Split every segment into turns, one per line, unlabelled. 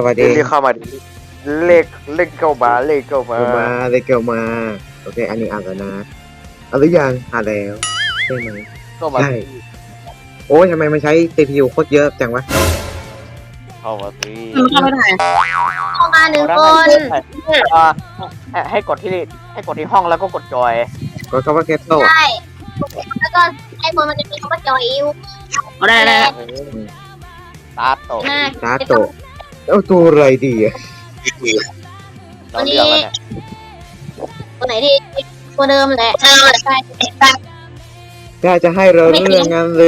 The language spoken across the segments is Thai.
วัสดี
เรียกเข้ามาดิเลขเข้ามาเลขเข้ามา
เกี่ยวมาโอเคอันนี้อ่านแล้วนะเอาหรือยังอ่านแล้วใช่ไหม
เข้ามา
ใช่ โอ้ยทำไมมันใช้ CPU โคตรเยอะจังวะ
เข้ามาสิ
เข้ามาถ่าย
เข้ามาหนึ่งคน
ให้กดที่ห้องแล้วก็กดจอย
ก็คำว่าแคทโต้
ใช่แล้วก็ไอ้คนมันจะมีคำว่าจอยอิว
เอาได้
ตาโต
หน้า
ตาโตะเอาตัวอะไรดีอะ
เราเลือกแล้วเนี่ย
ตัวไหนที่ตัวเดิมแหละใช่
ถ้าจะให้เราเรื่องงั้นหรือ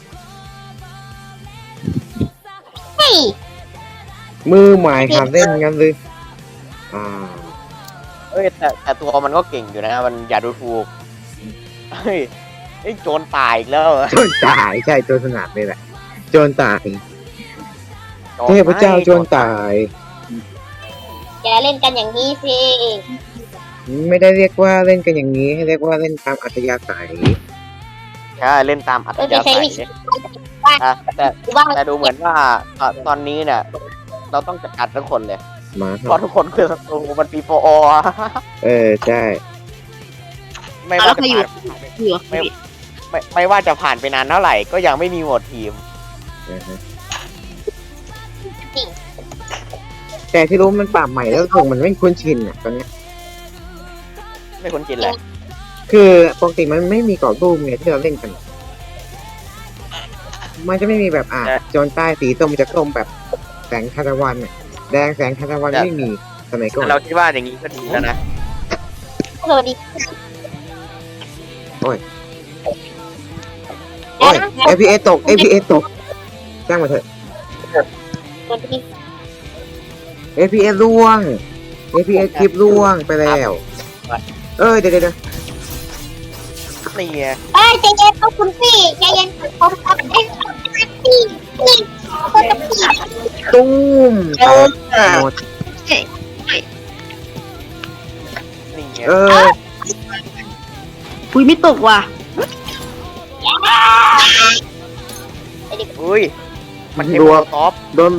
เฮ้ย
มือใหม่หัดเล่นงั้นหรืออ่า
เอ้ยแต่ตัวมันก็เก่งอยู่นะมันอย่าดูถูกเฮ้ยไอ้โจรตายอีกแล้วเหรอ
โจรตายใช่โจรสนัดเลยแหละโจรตาย
โจร
เทพเจ้าโจรตาย
อย่าเล่นกันอย่างนี้สิ
ไม่ได้เรียกว่าเล่นกันอย่างนี้ให้เรียกว่าเล่นตามอัธยาศัย
ใช่เล่นตามอัธยาศัยแต่
ว่า
แต่ดูเหมือนว่าตอนนี้เนี่ยเราต้องจัดการทุกคนเลย
มา
เพราะทุกคนคือศัตรูมันปีโฟอ
ใช่
ไม่ว่าจะผ่าน
อยู่
ไม่ว่าจะผ่านไปนานเท่าไหร่ก็ยังไม่มีโหวตทีม
นะฮะแต่ที่รู้มันปรับใหม่แล้วคงมันไม่คุ้นชินอ่ะตอนเนี้ย
ไม่คุ้นชินเลย
คือปกติมันไม่มีกรอบรูปไงที่เราเล่นกัน มันจะไม่มีแบบโจรใต้สีส้มจะส้มแบบแสงทานตะวันอะแดงแสงทานตะวันไม่มีสมัยก่อน
เราคิดว่าอย่างนี้ก็ดีแล้วนะ
สวัสดี
โอ้ย FPS ตก FPS ตกจ้างมาเถอะ
สวัสดี
FPS ร่วง FPS คลิปร่วงไปแล้ว เดี๋ยว
นี่ไง
เอ้ยใจเย็นต้องคุณพี่ใจเย็นผมทำเองพี่นี่คนจะพี่
ตุ้มแตกหมด
นี่ไง
คุยไม่ตกว่ะ
อุ้ยมันเท
รัว
ท็อป
โดน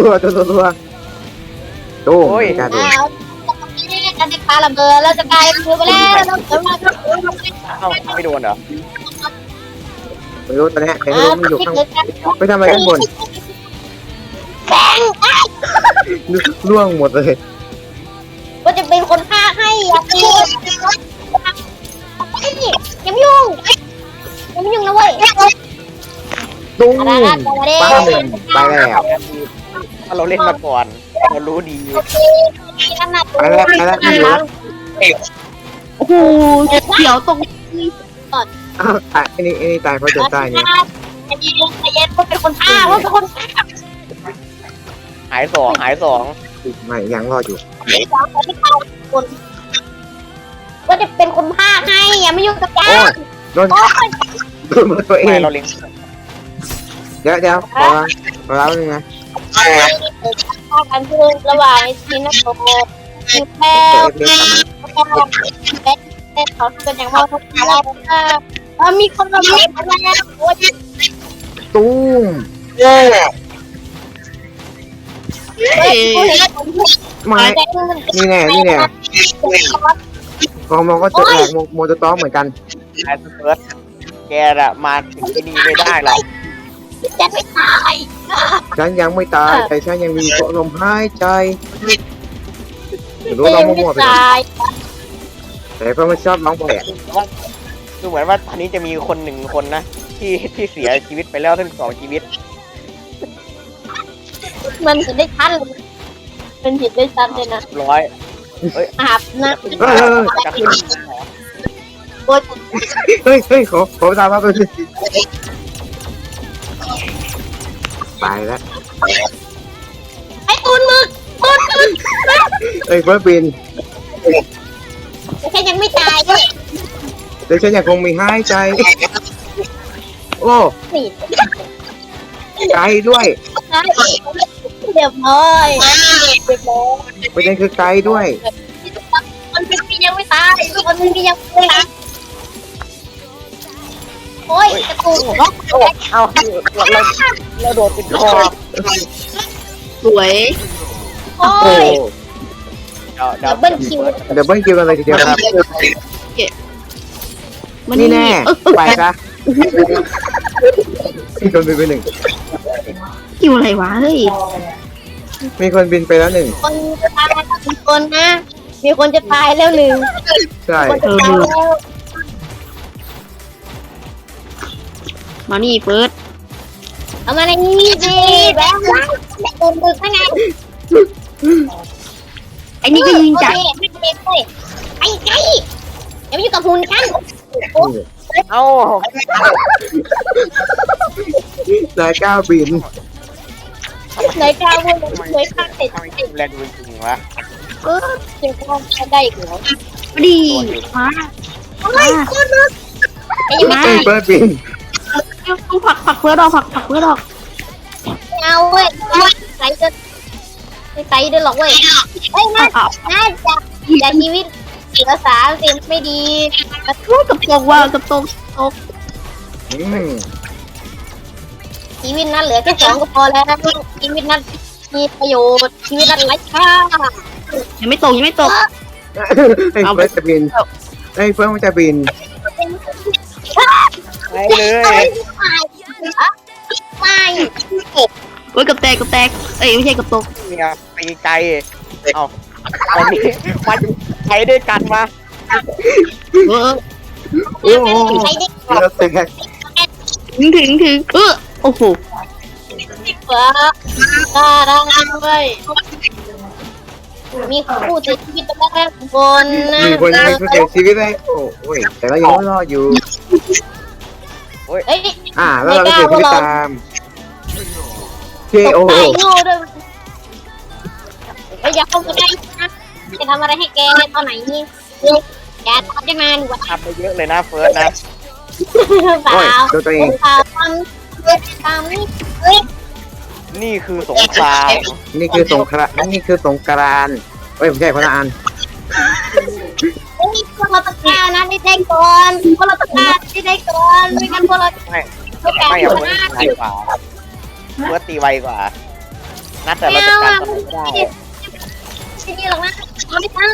ตุ้มกระโดด
แล้วจะได้ปาระเบิดแล้วจะกลายเป็นไปแล้วเราจะมา
เอ้าไม่โดนเหรอ
ไม่รู้ตอนนี้ใครไม่รู้มันอยู่ข้างไปทำอะไรข้างบน
แบง
ร่วงหมดเลย
ก็จะเป็นคนฆ่าให้อย่าตียังไม่ยุ่งนะเว้ย
ตุ้ม
อะไร
ปั้มไปแล้ว
ถ้าเราเล่นมาก่อนเรารู้ดี
ขนาด
ไปแล้วพี่อยู่
โอ้โหเขียวตรง
อ้าวตายอันนี้ตายเพราะโจรใต้นี่
ใจเย็นว่าเป็นคนฆ่าว่าเป็นคนฆ่า
หายสอง
ไม่ยังรอดอยู่
ว่าจะเป็นคนฆ่าให้อย่าไม่ยุ่งกับแก
โอ้ยโดนหมดตัวเอ
ไม่
ง
เราเล็ง
เดี๋ยวขอแล้วนึงนะ
ฆ่ากันคือระหว่างชินโตคือแป้วเป็นเขาเป็นอย่างว่าเขาแล้วมีคนมาบอกว่าโอ้ย
ตุ้ม ไม่นี่แน่พอมองก็จะแหลกโมจะต้องเหมือนกัน
ไอ้เฟิร์สแกอะมาถึงที่นี่ไม่ได้หรอก
จะไม่ตาย
ฉันยังไม่ตายแต่ฉันยังมีลมหายใจรู้ร้องมั่วๆไปก่อน
ตาย
แต่เพราะมันชอบร้องแปลก
ดูเหมือนว่าตอนนี้จะมีคนหนึ่งคนนะที่เสียชีวิตไปแล้วทั้ง2 ชีวิต
มันเห็นได้ชัดเลยมันเห็นได้ชัดเลยนะ
ร้อย
อาบนะ
จะขึ้น
โอ้ย
เฮ้ยขอตามมาไปสิไปแล้ว
ไอ้ตูนมึกตูน
เฟิร์สบิน
แค่ยังไม่ตายด้วย
แต่ฉันยังคงมีหายใจโอ้
นี่
ใจด้วย
เรียบร้อย
ประเด็นคือใจด้วย
คนเป็นพี่ยังไม่ตายคนเป็นพี่ยังไม่ตายโอ้ยกระตุก
เอาเราโดนติดคอ
สวย
โอ้
โอ้
ย
เดี๋ยว
ดับเบิลคิว
เดี๋ยวเบิ้ลคิวกันเลยทีเดียวครับ
มัน
นี่
นี่
แน่ไปซะมีคนบินไปหนึ่ง
คิวอะไรวะเฮ้ย
มีคนบินไปแล้วหนึ่ง
คนจะตายแล้วมีคนนะ มีคนจะตายแล้วหนึ่ง
ใช่
คนจะตายแล้ว
มานี่เฟิร์ส
เอามาในนี้สิแบบว่าแต่คนดึกได้ไง
ไอ้นี่ก็ยิงจาก
โอเคไม่เป็นเลยไอ้ไก่อย่าไปยุ่งกับหุ่นฉัน
เอ้า
นายก้าวบิน
ไหนกล้าวุ่นเลยข้าเสร็จ
ทำไมกินแรงจริงๆวะ
จึงกล้าได้อีกแล้ว
มาดีมา
เฮ้ยคนนึงไอ้ยังไม่
เอ้
ตาย ย
เฟิร์สบิน
ต้องผักเฟิร์สออกผักเฟิร์สออก
ไม่เอาเว้ยใส่จะไม่ใส่ด้วยหรอกเว้ยเฮ้ยน่าจะชีวิตเหลือ30ไม่ดี
กับตกว่ากับตก
อืม
ชีวิตนั้นเหลือแค่2ก็พอแล้วชีวิตนั้นมีประโยชน์ชีวิตนั้นไร้ค่า
ยังไม่ตก
ไอ้เฟิร์สจะบินไอ้เฟิร์สมันจะบิน
ไปเลย
ไม่
เฮ้ยกับแตกเอ้ยไม่ใช่กับตก
เนี่ยไปไกลเอาตอนนี้มาใช้ด้วยกันมา
เออ
โอ้โห
ใช้ได้
แล้วแตก
ถึงโอ้โห
เปิดได้ด้วยมีผู้เสียชีวิตไปแล้วคนนะ
มีคนมีผู้เสียชีวิตเลยโอ้ยแต่เรายังรอดอยู่
เฮ้ย
แล้วเราก็เสียชีวิตตามเคโอ
ตายโง่ด้วยอย่าเข้ามาใกล้นะจะทำอะไรให้แกตอนไหนนี่แกทำได้มาดีกว่า
ทำไปเยอะเลยนะเฟิร์สนะ
เปล่า
โดนตัวเอง
เปล่าทำนี่เฮ้ย
นี่คือสงคราม
นี่คือสงครามนี่คือสงกรานต์เอ้ยไม่ใช่คนละอัน
พวกเราตะการนะได้ก่อนพวกเราตะการได้ก่อนไม่งั้นพวกเรา
ไม่
แก
ไม่
ช
เอาเฟิ
นะ
ร์สไวกว่าเฟิร์สตีไวกว่านัดแต่เราจะการทำไม่ได้
ที่นี่หรอกนะไม่ตั้ง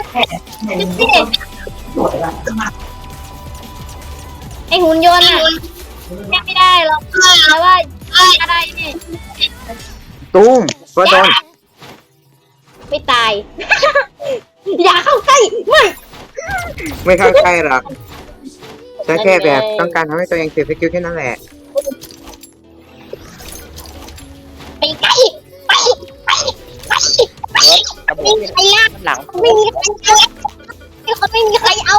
ไอหุ่นยนต์อ่ะแก้ไม่ได้หรอกแต่ว่าอะไรนี่
ตูมก็โดน
ไม่ตาย อย่าเข้าใกล้ไม่
ไม่เข้าใกล้หรอกฉันแค่แบบต้องการทำให้ตัวเองเสียสกิลแค่นั้นแหละ
ไปใกล้ไป
เฟิร์สระเบิ
ไม่
ด
มีใครยาก
หลัง
ไม่มีใครเอาไม่มีใครเอา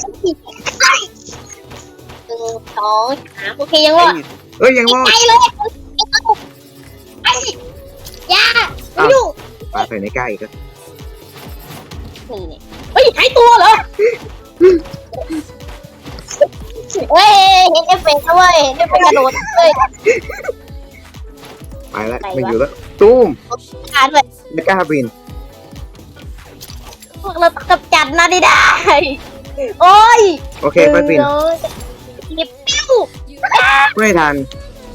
1 2 3โอเคยังรอด
เอ้ยยังรอด
ไปเลยไปอย่าไม่ยุ่ง
ปาใส่ในใกล้อีกแล้ว
นี่เนี่ยเฮ้ยหายตัวเหรอเฮ้ยเห็นเอฟเฟกต์แล้วเว้ยเห็นเอฟเฟกต์กระโดดเลย
ไปแล้วไม่อยู่แล้วตูม
ขาด้วย
ไม่กล้าบิน
พวกเรากำจัดนะได้โอ้ย
โอเคไปบิน
หยิบปิ้ว
ไม่ทัน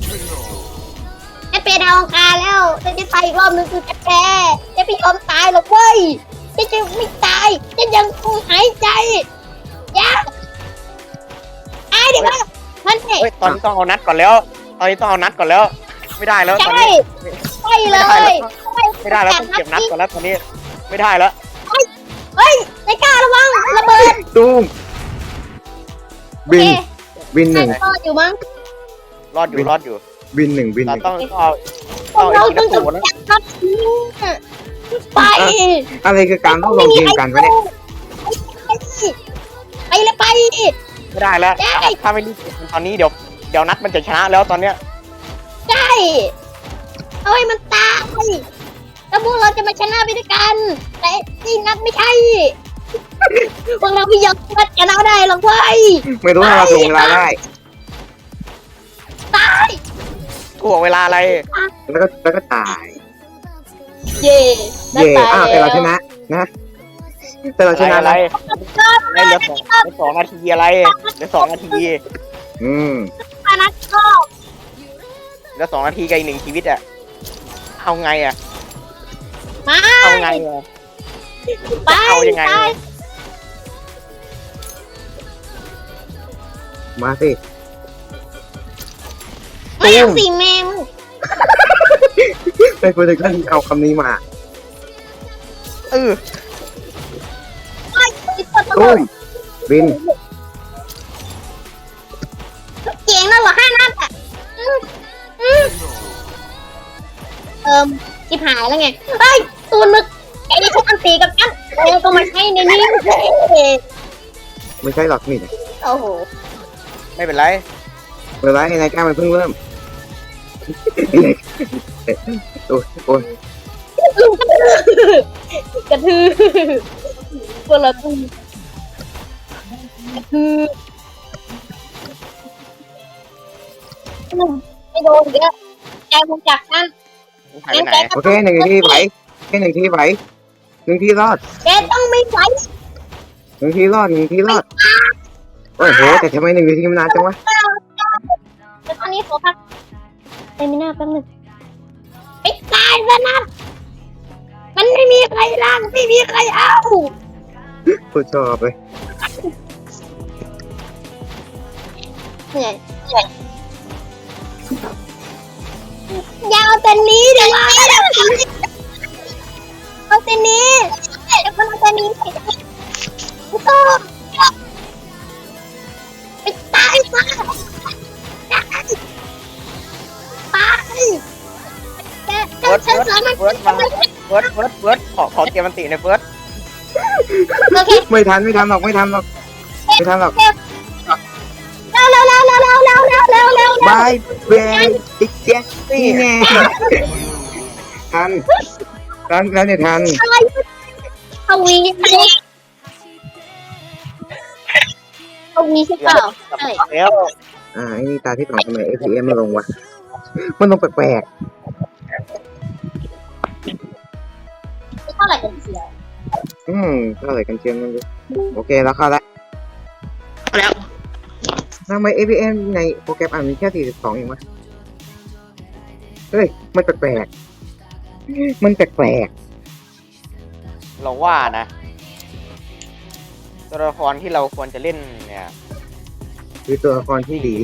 จะเป็นดาวอังคารแล้วจะไปอีกรอบนึงคือจะแพ้จะไม่ยอมตายหรอกเว้ยจะไม่ตายจะยังคงหายใจยังตายดิวะมันเถ
เฮ้ยตอนนี้ต้องเอานัดก่อนแล้ว ตอนนี้ต้องเอานัดก่อนแล้ว ไม่ได้แล้วตอน
ใช่
นี้
ใช่เลย
ไม่ได้แล้วต้องเก็บนัดก่อนแล้วตอนนี้ไม่ได้แล้ว
เฮ้ยนายกล้าระวังระเบิด
ตูมบิน
โอเค
บินหนึ่ง
รอดอยู่มั้ง
รอดอยู่
บินหนึ่งบินห
เรา
นึ่ง
ต้องเอาเอาไอ้
เรา
ที่
ต้อง
กระสุน
จับครับไป
อะไรคือการต้องลงทีมกันวะเนี่ย
ไปเลยไป
ไม่ได้แล้ว ถ้าไม่รีบเก็บตอนนี้เดี๋ยวนัดมันจะชนะแล้วตอนเนี้ย
ใช่เอาให้มันตายแล้วพวกเราจะมาชนะไปด้วยกัน แต่นี่นัดไม่ใช่พวกเราไม่ยอมชนะได้หรอกเว้ย
ไม่รู้ว่าเราส่งเวลาได้
ตาย
ถ่วงเวลาอะไร
แล้วก็ตาย
เย่
เย่อ้าวแต่เราชนะนะแต่เราชนะ
อะไร
นะ
อะไรเหลือสองนาทีอะไรเหลือ2 นาที
อืม
นัดก็
เหลือ2 นาทีกับอีก1 ชีวิตอะเอาไงอะ
มมา
เอาไงอะ
ไป
เอายังไง
ตาย
มาสิ
ไม่เอาสิแม่ง
ไม่ควรจะกันเอาคำนี้มา
เออ
ตุ้มบิน
เจ๋งแล้วเหรอ5 นัดอ่ะจิบหายแล้วไงเฮ้ยตูนมึกไอ้นี่ฉันอันตีกับฉันก็มาใช้ในนี้
ไม่ใช่หรอกนี่
โอ้โห
ไม่เป็นไร
เวลาไอ้นายกล้ามันเพิ่งเริ่มโอ้ยโอ้ย
กระทือคนละตูกระทือไม่โดนเยอะแกคงจับนั่น
หายไปไหน
โอเคหนึ่งทีไหวแค่หนึ่งทีไหวหนึ่งทีรอด
แกต้องไม่ไหว
หนึ่งทีรอดหนึ่งทีรอดโอ้โหแต่ทำไมหนึ่งทีมันนานจังวะ
แต่ตอนนี้ขอพักเอมิน่าแป๊บนึงไปตายซะนะมันไม่มีใครล้างไม่มีใครเอา
กูชอบเลย
เหนื่อยอย่าเอาแต่นี้เดี๋ยวเอาแต่นี้เดี๋ยวมันเอาแต่นี้ไม่ต้องไปตายซะตายแกฉันสามารถ
เฟิร์สมาเฟิร์สขอเกมมันติหน่อยเฟิร์ส
โอเค
ไม่ทันหรอกไม่ทันหรอก
เร็ว
บายเบนติ๊กแจ๊กนี่แน่ทันเนี่ยทัน
ทวีใช่เปล่าใช่
แล้ว
ไอ้นี่ตาที่สองทำไม APM มาลงวะมันลงแปลก
เท่าไหร่กันเสีย
ๆเท่าไหร่กันเชียงนั่นดูโอเคแล้วเข้าละ
แล้ว
ทำไม APM ในโปรแกรมมีแค่42เองวะเฮ้ยมันแปลกๆมันแปลก
เราว่านะตัวละครที่เราควรจะเล่นเนี่ย
ๆคือตัวละครที่ดี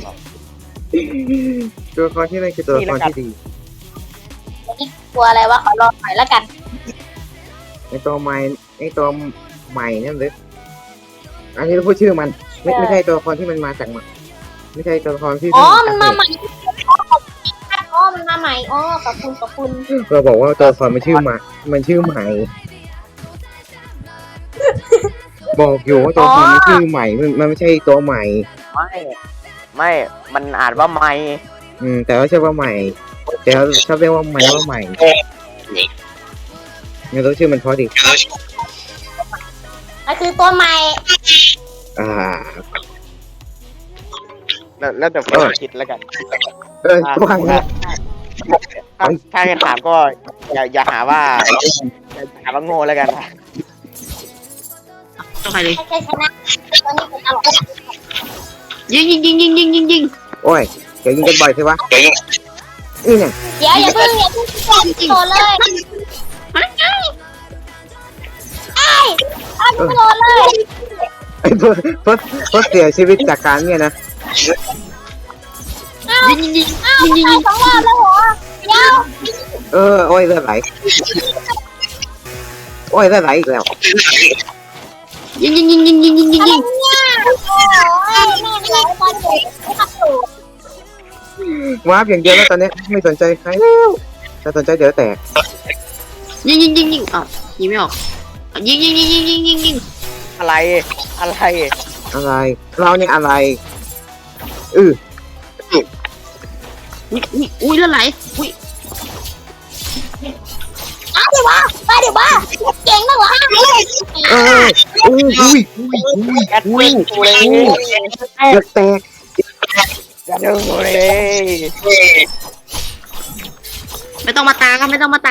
ตัวละครที่นั่นคือตัวละครที่ดี
กลัวอะไรวะขอรอหน่อยแล้วกัน
ไอตัวใหม่นั่นเลยอันนี้เราพูดชื่อมันไม่ใช่ตัวละครที่มันมาจากมันไม่ใช่ตัวละครที่
อ๋อมันมาใหม่อ๋อมันมาใหม่อ๋อขอบคุณ
เราบอกว่าตัวละครมันชื่อใหม่ บอกอยู่ว่าตัวละครมันชื่อใหม่มันไม่ใช่ตัวใหม่
ไม่มันอ่านว่าไม่
แต่ว่าใช่ว่าใหม่ แต่เขาชอบเรียกว่าใหม่งั้นตัวชื่อมันเพราะดิ
นั่นคือตัวใหม่
แล้วแต่เฟิร์สคิดแล้วกัน
ตัวอะไร
ถ้าจะถามก็อย่าหาว่าโง่แล้วกัน
ต้องใครเลย
ให้ใจชนะตัวนี้เป็นตลก
ยิง
โอ้ยเดี๋ยวยิงกันบ่อยใช่ปะนี่ไง
เดี๋ยวอย่าเพิ่งโดนเลยโดนเลย
ไอ้เพิ่เสียชีวิตจากการเนี่ยนะ
ยิง
ตาย2 รอบแล้วเหรอเดี๋ยว
โอ้ยเลือดไหลอีกแล้ว
ยิง
เนี่ยโอ้ยแม่งไหลบอลเด็กไม่ขับถูก
วาร์ปอย่างเดียวแล้วตอนนี้ไม่สนใจใครถ้าสนใจเดี๋ยวแตก
ยิงอ้าวยิงไม่ออกยิง
อะไร
เราเนี่ยอะไร
อุ้ยแล้วไหลอุ้ย
เดี๋ยวว่าเก่งนักเหรอฮะ
อุ้ย
แอดมินกูเลย
เดือดแตก
อย่าดึงกูเลย
ไม่ต้องมาตากันไม่ต้องมาตา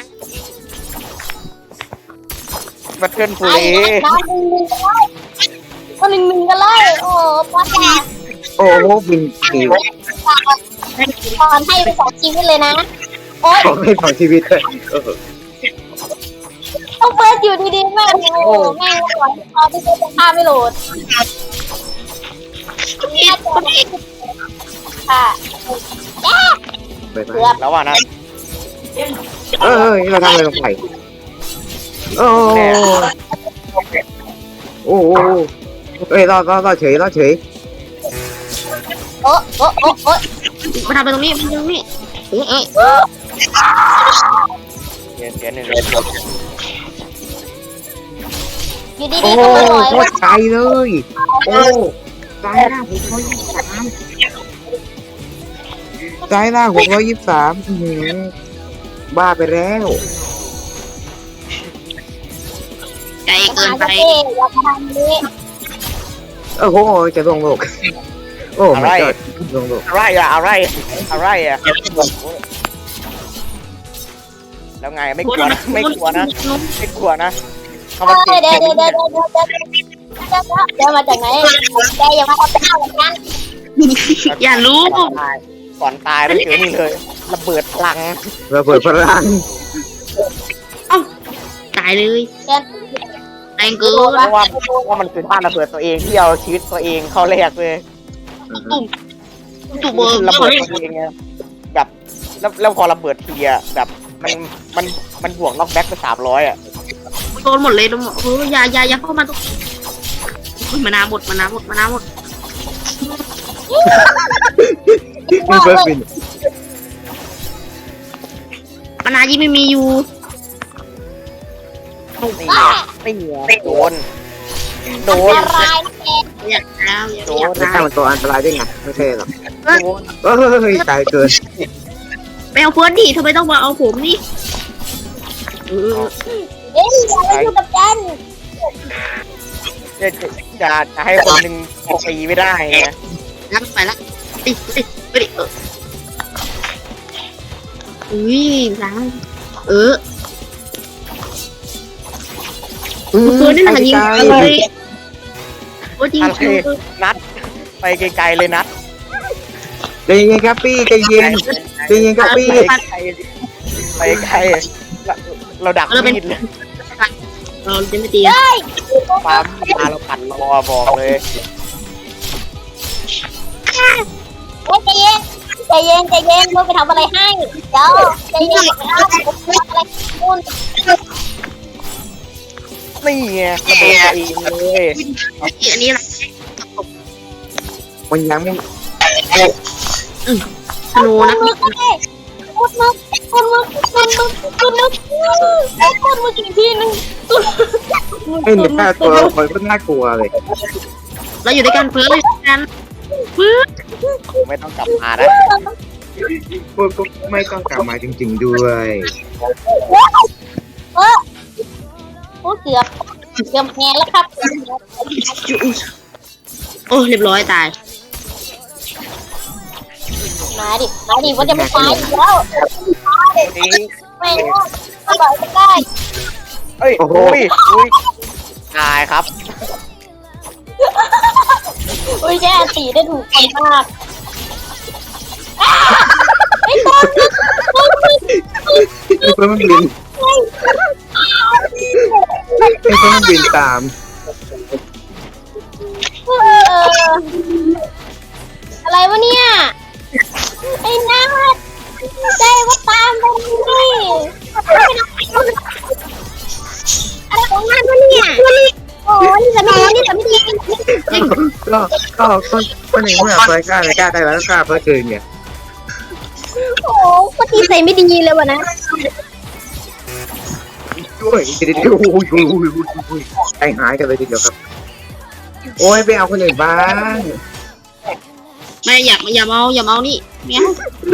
บัตเทิลกู
ไอ้
เลย
นะก็1-1กันเลยโอ้ป้าแก
โอ้โหบินปิว
ตอนให้ไป2 ชีวิตเลยนะโอ๊ย
ขอให้ของชีวิตเลย
ต้องเปิดอยู่ดีๆแม่งโอ้แม่งหวังเอาไปเจอฆ่าไม่โหลดค่ะ
ไปไป
เกือบ
แล้วว่านะ
เราทำอะไรลงไปโอ้โอ้รอเฉย
โอ้โอ้โอ้โอ้
มาทำไปตรงนี้มาทำไปตรงนี้เอ๊ะ
เสียหนึ่ง
อยู่ดี
โอ้
ๆก็มาลอย
โคตรไกลเลยโอ้ตายละ623บ้าไปแล้ว
ไกลเกินไป
อย่าทำนี้
โอ้โหจะลงโลกโอ้ไม่ก็ลงโลก
อะไรอ่ะแล้วไงไม่กลัวนะไม่กลัวนะเขามาเก็บ
เดี๋ยวมาจากไหนแกอย่ามาทำข้าวเหมือนกัน
อย่ารู้
ก่อนตายแล้วเจอนี่เลยระเบิดพลัง
ระเบิดพลัง
ตายเลย
แก
แรงเกิน
เพราะว่ามันคือบ้านระเบิดตัวเองที่เอาชีวิตตัวเองเข้าแลกเลย
ตุ่มเบอร์
ระเบิดตัวเองไงแบบแล้วพอระเบิดทีอะแบบมันบวกน็อกแบ็กไป300อ่ะ
โดนหมดเลยโดนหมดอย่าเข้ามาตรงมานาหมด
มีเบิร์ดบิน
มานายี่ไม่มีอยู่
ไม่เหนียวโดน
อะไรแก
อยากแล้ว
โดน
ไม่ใช่มันตัวอันตรายได้ไงไม่ใช่หรอก
โดน
เฮ้ยตายเกิน
ไปเอาเฟิร์สดิทำไมต้องมาเอาผมนี่
เอ้ยอย่าไปอยู่กับกัน
จะให้คนหนึ่งตีไม่ได้ไง
งั้นไปละไปดิอุ้ยล้างเฟิร์สนี่มันยิงอะไรโอ้ยิง
นัดไปไกลๆเลยนัด
ใจเย็นครับพี่ใจเย็นครับพี่
ไปไกลเราดักมีดเลย
เราจะไม่ตี
เฮ้ย
ปั๊มมาเราปั่นรอบอกเลย
ใจเย็นมึงไปทำอะไรให้เดี๋ยวใจเย็นอะไรคุณ
นี่ไงระเบิดเองเลย
อันนี้อะไร
มันยังไม่
ธนูนะ
มึงอีกทีนึง
ไม่เห็นหน้าตัวละครก็น่ากลัวเลย
เราอยู่ด้วยกันเฟิร์สเราอยู่ด้วยกันเฟิร์ส
ไม่ต้องกลับมานะ
พวกก็ไม่ต้องกลับมาจริงๆด้วย
โอ้เกือบแพ้แล้วครับ
โอ้เรียบร้อยตาย
มาดิว่าจะไม่ตายอีกแล้ว
นี่
ไม่อร่อยได้
เอ้ยอุ้ยตายครับ
อุ้ยแย่ตีได้ถูกคนมากไอ้ต้น
ไอ้เพิ่มมันบินตาม
อะไรวะเนี่ยไอ้นาดใจว่าตามไปนี่อะไรของมันวะเนี่ยโอ้นี่จะไม่ดี
ก็ในเมื่อเฟิร์สกล้าเลยกล้าได้แล้วกล้าเฟิร์สเกินไง
โอ้ก็ตีใส่ไม่ดีเลยวะนะ
ด้วยเดี๋ยวใจหายกันเลยทีเดียวครับโอ้ยไปเอาคนอื่นบ้าง
ไม่อย่าเมานี่เมีย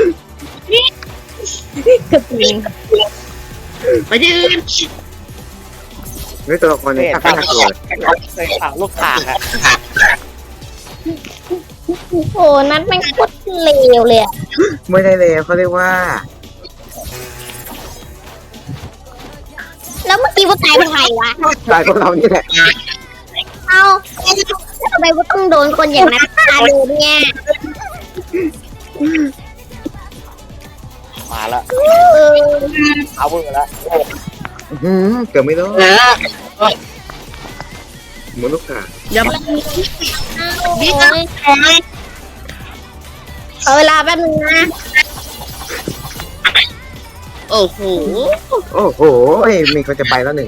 ไปที่อื่น
ไม่ตัวละครนี้น่ากลัว
เคยผ่าลูกข่างอะ
โอ้นัดแม่งโคตรเลวเลย
ไม่ได้เลยเขาเรียกว่า
แล้วเมื่อกี้ว่าตายเป็นใครวะ
ตายพวกเรานี่แหละ
เอาทำไมว่าต้องโดนคนอย่างนั้นฆ่าโดนเนี่ย
มาแล้ว
เออ
เอาเบอร์แล้ว
เกือบไม่รอดหมุนลูกกา
อย่ามา
นี่นะขอเวลาแป๊บนึงนะ
โอ้โห
โอ้โหมีคนจะไปแล้วหนึ่ง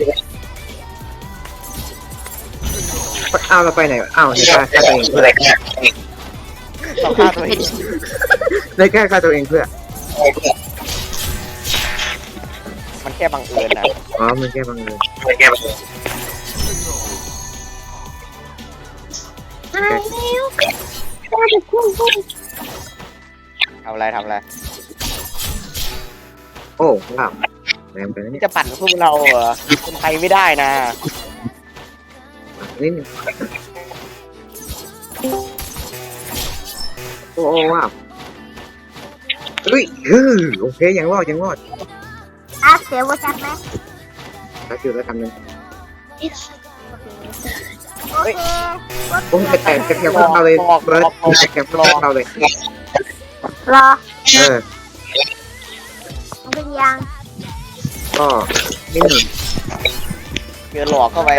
อ้าวเราไปไหนอ้าวในกล้าฆ่าตัวเองเพื่อ
เราฆ่าตัวเอง
ในกล้าฆ่าตัวเองเพื่อ
มันแค่บังเอิญนะ
อ๋อมันแค่บังเอิญ
ตายแล้วตายแล้วพุ่ง
ทำอะไรทำอะไร
โอ้ว้าวแรงไปนะเนี่ย
จะปั่นพวกเราเหรอคนไทยไม่ได้นะ
นิดนึงโอ้ว้าวเฮ้ยโอเคยังรอด
เสียว่าชัดไหม
ถ้าจุดแล้วทำหนึ่ง
โอเค
โอ้แต่แคมพวกเราเลยเบิร์ดแคมพวกเราเลย
รอ
เออ
มันเป็นยัง
ก็นิดหนึ่ง
เจอหลอกเข้าไป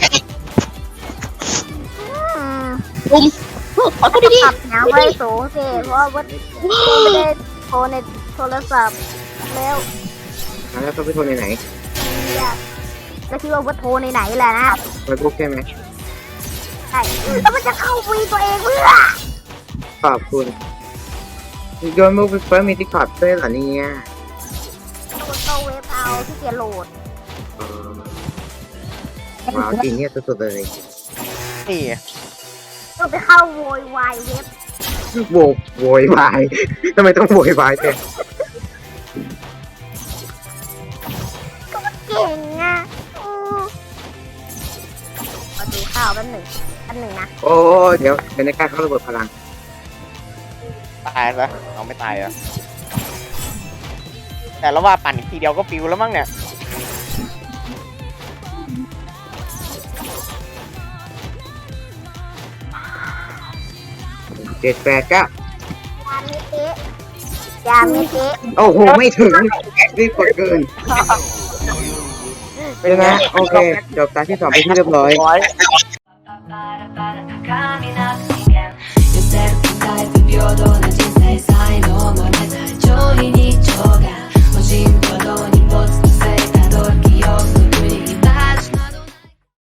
ขอโทษดี
ปรับหนังไว้สูงสิเพราะว่าไม่ได้โทรในโทรศัพท์แล้ว
แล้วต้องไปโทรไหน
ก็คิดว่าโทรในไหนแหละนะ
ไปบุ๊กใช่ไหม
ใช่แล้วมันจะเข้าวีตัวเองเพื่อ
ขอบคุณโยนบุ๊กเฟิร์สมีที่ขอบด้วยเหรอเนี่ย
ตัวเว็บเอาที่เกียร์โหลด
ว้าวจริงเนี่ยสุดๆเลย
นี่
ต้องไปเข้าโวยวายเว็บ
โวยวายทำไมต้องโวยวายเนี่ย
เก่งอ่ะมาดูข้าวแป๊บหนึ่งนะ
โอ้เดี๋ยวในการเข้าระเบิดพลัง
ตายซะเอาไม่ตายเหรอแต่แล้วว่าปั่นอีกทีเดียวก็ปิวแล้วมั้งเนี่ย
7 8 9
ยามิเอะยามิเอะ
โอ้โหไม่ถึงรีบกดเกินเป็นไงโอเคจบตาที่ 2 ไปที่เรียบร้อย
ร้อย
Camina